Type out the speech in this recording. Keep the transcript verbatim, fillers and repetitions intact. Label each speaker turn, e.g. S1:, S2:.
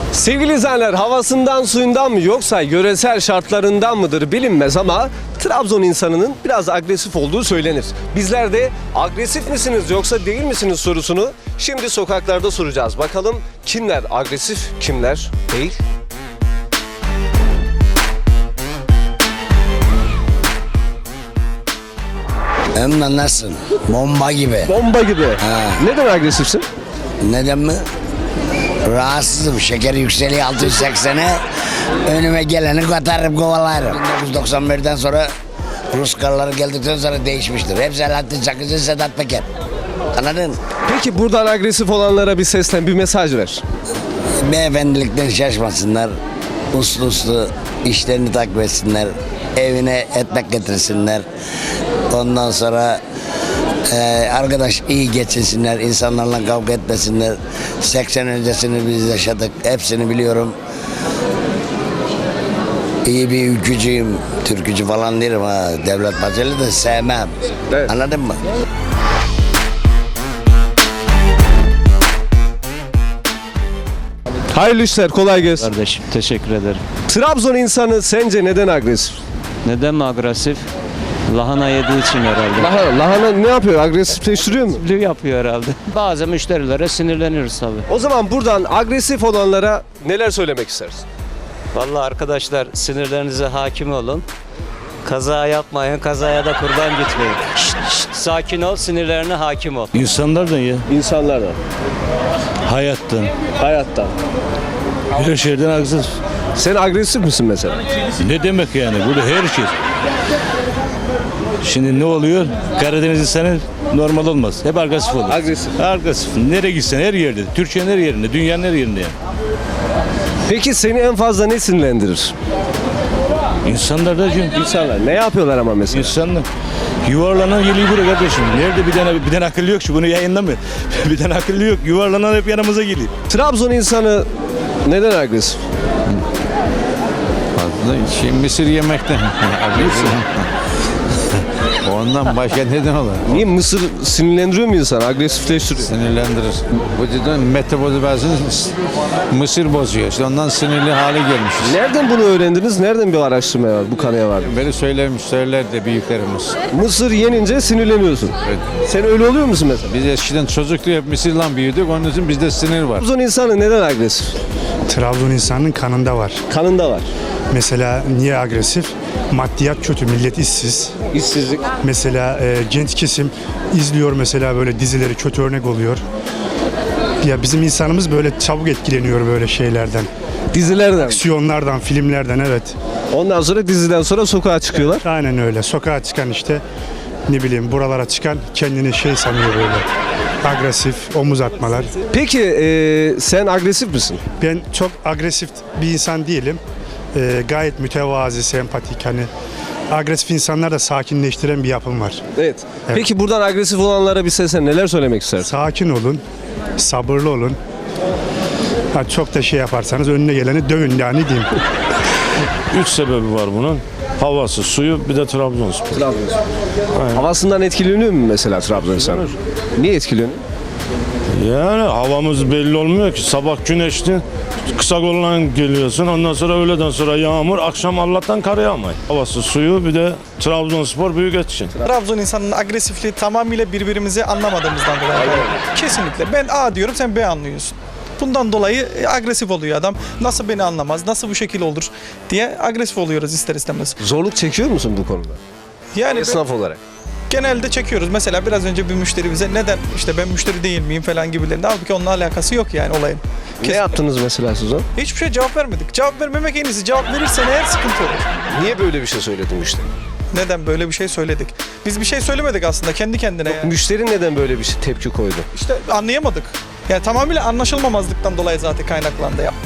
S1: Sevgili izleyenler, havasından suyundan mı yoksa yöresel şartlarından mıdır bilinmez ama Trabzon insanının biraz agresif olduğu söylenir. Bizler de agresif misiniz yoksa değil misiniz sorusunu şimdi sokaklarda soracağız. Bakalım kimler agresif, kimler değil?
S2: Hem nasılsın? Bomba gibi.
S1: Bomba gibi.
S2: Ha.
S1: Neden agresifsin?
S2: Neden mi? Rahatsızım. Şeker yükseliyor altı yüz seksene. Önüme geleni katarım, kovalarım. bin dokuz yüz doksan birden sonra Rus karları geldikten sonra değişmiştir. Hep Selahattin Çakıcı, Sedat Peker. Anladın?
S1: Peki buradan agresif olanlara bir seslen, bir mesaj ver.
S2: Beyefendilikten şaşmasınlar. Uslu uslu işlerini takip etsinler. Evine ekmek getirsinler. Ondan sonra e, arkadaş iyi geçinsinler. İnsanlarla kavga etmesinler. seksen öncesini biz yaşadık. Hepsini biliyorum. İyi bir ülkücüyüm. Türkücü falan değilim ha. Devlet Bahçeli de sevmem.
S1: Evet.
S2: Anladın mı?
S1: Hayırlı işler, kolay gelsin.
S3: Kardeşim teşekkür ederim.
S1: Trabzon insanı sence neden agresif?
S3: Neden mi agresif? Lahana yediği için herhalde.
S1: Lahana, lahana ne yapıyor? Agresifleştiriyor mu?
S3: Agresifliği yapıyor herhalde. Bazı müşterilere sinirleniyoruz tabii.
S1: O zaman buradan agresif olanlara neler söylemek istersin?
S3: Vallahi arkadaşlar sinirlerinize hakim olun. Kaza yapmayın, kazaya da kurban gitmeyin. Şşt, şşt, sakin ol, sinirlerine hakim ol.
S4: İnsanlardan ya,
S1: İnsanlardan,
S4: hayattan,
S1: hayattan.
S4: her şeyden agresif.
S1: Sen agresif misin mesela?
S4: Ne demek yani? Burada her şey. Şimdi ne oluyor? Karadeniz insanı normal olmaz. Hep agresif olur.
S1: Agresif.
S4: Agresif. Nereye gitsen her yerde. Türkiye'nin her yerinde, dünyanın her yerinde yani.
S1: Peki seni en fazla ne sinirlendirir?
S4: İnsanlar da çünkü
S1: İnsanlar ne yapıyorlar ama mesela?
S4: insanlar yuvarlanan geliyor buraya kardeşim. Nerede bir tane bir tane akıllı yok şu bunu yayınlamıyor. Bir tane akıllı yok. Yuvarlanan hep yanımıza geliyor.
S1: Trabzon insanı neden agresif?
S5: Fazla şey, mısır yemekten. Ondan başka neden olur?
S1: Niye mısır sinirlendiriyor mu insanı? Agresifleştiriyor.
S5: Sinirlendirir. Vücudun metabolizmasını mısır bozuyor. İşte ondan sinirli hale gelmişiz.
S1: Nereden bunu öğrendiniz? Nereden bir araştırma var? Bu kanıya var.
S5: Beni söylemiş, söylerdi büyüklerimiz.
S1: Mısır yenince sinirleniyorsun.
S5: Evet.
S1: Sen öyle oluyor musun mesela?
S5: Biz eskiden çocukluğu hep mısırla büyüdük. Onun için bizde sinir var.
S1: Trabzon insanı neden agresif?
S6: Trabzon insanının kanında var.
S1: Kanında var.
S6: Mesela niye agresif? Maddiyat kötü, millet işsiz.
S1: İşsizlik.
S6: Mesela e, genç kesim izliyor mesela böyle dizileri, kötü örnek oluyor. Ya bizim insanımız böyle çabuk etkileniyor böyle şeylerden.
S1: Dizilerden.
S6: Aksiyonlardan, filmlerden, evet.
S1: Ondan sonra diziden sonra sokağa çıkıyorlar.
S6: Aynen öyle. Sokağa çıkan işte ne bileyim buralara çıkan kendini şey sanıyor böyle. Agresif, omuz atmalar.
S1: Peki e, sen agresif misin?
S6: Ben çok agresif bir insan değilim. E, gayet mütevazi, sempatik hani. Agresif insanlar da sakinleştiren bir yapım var.
S1: Evet.
S6: Evet.
S1: Peki buradan agresif olanlara bir seslen, neler söylemek istersin?
S6: Sakin olun, sabırlı olun. Ha, çok da şey yaparsanız önüne geleni dövün yani diyeyim.
S4: Üç sebebi var bunun. Havası, suyu, bir de Trabzonspor.
S1: Trabzonspor. Havasından etkileniyor mu mesela Trabzon insanı? Niye etkileniyor?
S4: Yani havamız belli olmuyor ki. Sabah güneşli, kısa kollan geliyorsun. Ondan sonra öğleden sonra yağmur, akşam Allah'tan kar yağmay. Havası, suyu, bir de Trabzonspor büyük etkin.
S7: Trabzon insanının agresifliği tamamıyla birbirimizi anlamadığımızdan dolayı. Kesinlikle. Ben A diyorum, sen B anlıyorsun. Bundan dolayı agresif oluyor adam. Nasıl beni anlamaz, nasıl bu şekil olur diye agresif oluyoruz ister istemez.
S1: Zorluk çekiyor musun bu konuda?
S7: Yani ben-
S1: Esnaf olarak.
S7: genelde çekiyoruz. Mesela biraz önce bir müşteri bize neden işte ben müşteri değil miyim falan gibilerinde. Halbuki onunla alakası yok yani olayın.
S1: Ne yaptınız mesela siz o?
S7: Hiçbir şey cevap vermedik. Cevap vermemek en iyisi. Cevap verirsen eğer sıkıntı olur.
S1: Niye böyle bir şey söyledin işte?
S7: Neden böyle bir şey söyledik? Biz bir şey söylemedik aslında kendi kendine yani.
S1: Müşteri neden böyle bir şey tepki koydu?
S7: İşte anlayamadık. Yani tamamıyla anlaşılmamazlıktan dolayı zaten kaynaklandı. Ya